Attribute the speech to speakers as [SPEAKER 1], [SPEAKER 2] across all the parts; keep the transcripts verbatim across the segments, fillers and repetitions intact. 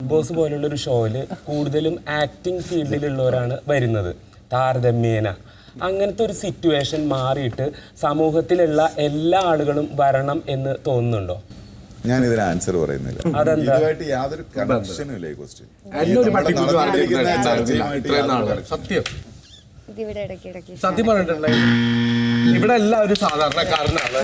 [SPEAKER 1] Boss പോലുള്ള ഒരു ഷോയില് കൂടുതലും ആക്ടിങ് ഫീൽഡിലുള്ളവരാണ് വരുന്നത് താരതമ്യേന. അങ്ങനത്തെ ഒരു സിറ്റുവേഷൻ മാറിയിട്ട് സമൂഹത്തിലുള്ള എല്ലാ ആളുകളും വരണം എന്ന് തോന്നുന്നുണ്ടോ?
[SPEAKER 2] ഞാൻ ഇതിന് ആൻസർ പറയുന്നില്ല. ഇതുമായിട്ട് യാതൊരു കണക്ഷനും ഇല്ല ഈ ക്വസ്റ്റ്യൻ.
[SPEAKER 3] സത്യം സത്യം പറഞ്ഞിട്ടുണ്ടെങ്കിൽ ഇവിടെ എല്ലാവരും സാധാരണക്കാരനാണ്.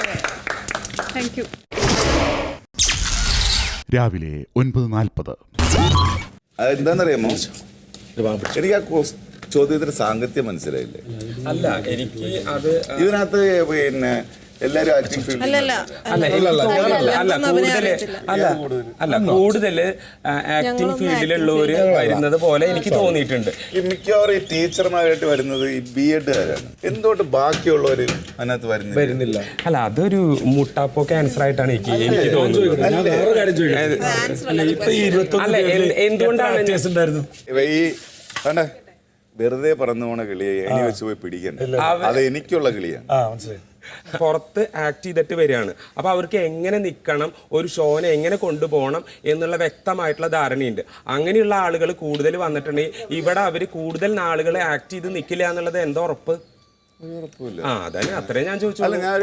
[SPEAKER 4] രാവിലെ ഒൻപത് നാൽപ്പത്.
[SPEAKER 2] അതെന്താണെന്നറിയാമോ, എനിക്ക് ആ ചോദ്യത്തിന് സാങ്കത്യം മനസ്സിലായില്ലേ?
[SPEAKER 1] അല്ല, എനിക്ക് അത്
[SPEAKER 2] ഇതിനകത്ത് പിന്നെ എല്ലാരും ആക്ടിംഗ് ഫീൽഡ്
[SPEAKER 1] അല്ല കൂടുതൽ അല്ല അല്ല കൂടുതൽ ആക്ടിംഗ് ഫീൽഡിലുള്ളവര് വരുന്നത് പോലെ എനിക്ക് തോന്നിയിട്ടുണ്ട്.
[SPEAKER 2] ഈ മിക്കവാറും ഈ ടീച്ചർമാരായിട്ട് വരുന്നത് ഈ ബി എഡുകാരാണ്. എന്തുകൊണ്ട് ബാക്കിയുള്ളവര് അതിനകത്ത് വരുന്നില്ല?
[SPEAKER 1] അല്ല, അതൊരു മുട്ടാപ്പോ ക്യാൻസർ ആയിട്ടാണ് എനിക്ക് എനിക്ക് തോന്നുന്നത്. അല്ല, എന്തുകൊണ്ടാണ്
[SPEAKER 2] ഈ വേണ്ട വെറുതെ പറന്നു പോണ കിളിയെ എണി വെച്ച് പോയി പിടിക്കണ്ട. അത് എനിക്കുള്ള കിളിയാണ്.
[SPEAKER 1] പുറത്ത് ആക്ട് ചെയ്തിട്ട് വരികയാണ്. അപ്പൊ അവർക്ക് എങ്ങനെ നിൽക്കണം, ഒരു ഷോനെ എങ്ങനെ കൊണ്ടുപോകണം എന്നുള്ള വ്യക്തമായിട്ടുള്ള ധാരണയുണ്ട്. അങ്ങനെയുള്ള ആളുകൾ കൂടുതൽ വന്നിട്ടുണ്ടെങ്കിൽ ഇവിടെ അവര് കൂടുതൽ നാളുകൾ ആക്ട് ചെയ്ത് നിൽക്കില്ല എന്നുള്ളത് എന്താ ഉറപ്പ്? ആ അതന്നെ, അത്രേ ഞാൻ ചോദിച്ചു.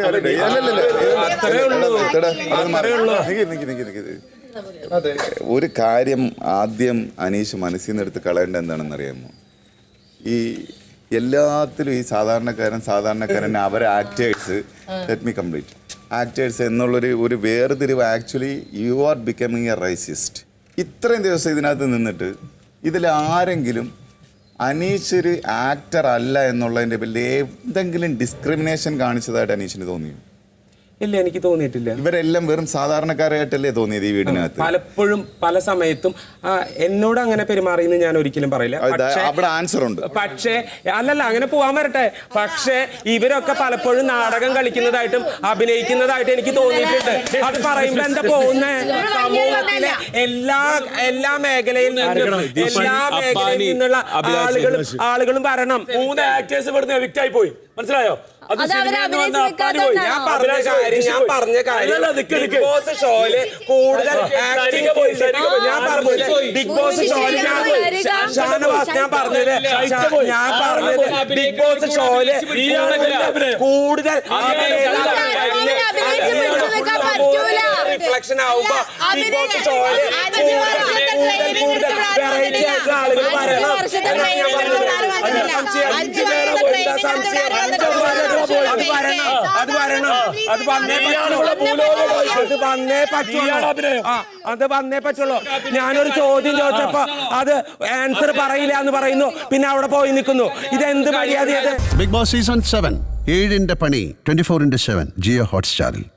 [SPEAKER 2] ഒരു കാര്യം ആദ്യം അനീഷ് മനസ്സിൽ നിന്ന് എടുത്ത് കളയേണ്ട എന്താണെന്ന് അറിയാമോ? ഈ എല്ലാത്തിലും ഈ സാധാരണക്കാരൻ സാധാരണക്കാരൻ അവരെ actors let me complete actors എന്നുള്ളൊരു ഒരു വേർതിരിവ്. Actually you are becoming a racist. ഇത്രയും ദിവസം ഇതിനകത്ത് നിന്നിട്ട് ഇതിൽ ആരെങ്കിലും അനീഷ് ഒരു ആക്ടർ അല്ല എന്നുള്ളതിൻ്റെ പേരിൽ എന്തെങ്കിലും ഡിസ്ക്രിമിനേഷൻ കാണിച്ചതായിട്ട് അനീഷിന് തോന്നിയോ?
[SPEAKER 1] ഇല്ല, എനിക്ക് തോന്നിയിട്ടില്ല.
[SPEAKER 2] ഇവരെല്ലാം വെറും സാധാരണക്കാരായിട്ടല്ലേ തോന്നിയത് ഈ വീടിനകത്ത്?
[SPEAKER 1] പലപ്പോഴും പല സമയത്തും എന്നോട് അങ്ങനെ പെരുമാറിയെന്ന് ഞാൻ ഒരിക്കലും പറയില്ല.
[SPEAKER 2] അവിടെ ആൻസർ ഉണ്ട്.
[SPEAKER 1] പക്ഷേ അല്ലല്ല, അങ്ങനെ പോവാൻ വരട്ടെ. പക്ഷേ ഇവരൊക്കെ പലപ്പോഴും നാടകം കളിക്കുന്നതായിട്ടും അഭിനയിക്കുന്നതായിട്ടും എനിക്ക് തോന്നിയിട്ടുണ്ട്. അത് പറയുമ്പോ എന്താ പോകുന്നേ? സമൂഹത്തിലെ എല്ലാ എല്ലാ മേഖലയിൽ നിന്നും എല്ലാ മേഖലയിൽ നിന്നുള്ള ആളുകളും ആളുകളും വരണം.
[SPEAKER 5] മൂന്ന് ആക്ടേഴ്സ് ഇവിടുന്ന് എവിക്റ്റ് ആയി പോയി, മനസ്സിലായോ?
[SPEAKER 1] ഞാൻ പറഞ്ഞ കാര്യം ഞാൻ പറഞ്ഞ കാര്യം ബിഗ് ബോസ് ഷോയില് കൂടുതൽ ആക്ടിങ് ഞാൻ പറഞ്ഞത് ബിഗ് ബോസ് ഷോയില് ഷാനവാസ് ഞാൻ പറഞ്ഞത് ഞാൻ പറഞ്ഞത് ബിഗ് ബോസ് ഷോയില് കൂടുതൽ റിഫ്ലക്ഷൻ ആവുമ്പോ ബിഗ് ബോസ് ഷോയില് കൂടുതൽ കൂടുതൽ വെറൈറ്റി ആയിട്ടുള്ള ആളുകൾ വരണം. അത് വരണം അത് വരണം അത് വന്നേ പറ്റുള്ളൂ അത് വന്നേ പറ്റുള്ളൂ അത് വന്നേ പറ്റുള്ളൂ. ഞാനൊരു ചോദ്യം ചോദിച്ചപ്പോ അത് ആൻസർ പറയില്ല എന്ന് പറയുന്നു, പിന്നെ അവിടെ പോയി നിൽക്കുന്നു. ഇതെന്ത് മര്യാദയത്?
[SPEAKER 6] ബിഗ് ബോസ് സീസൺ സെവൻ ഏഴിന്റെ പണി twenty four into seven Jio ഹോട്ട്സ്റ്റാറിൽ.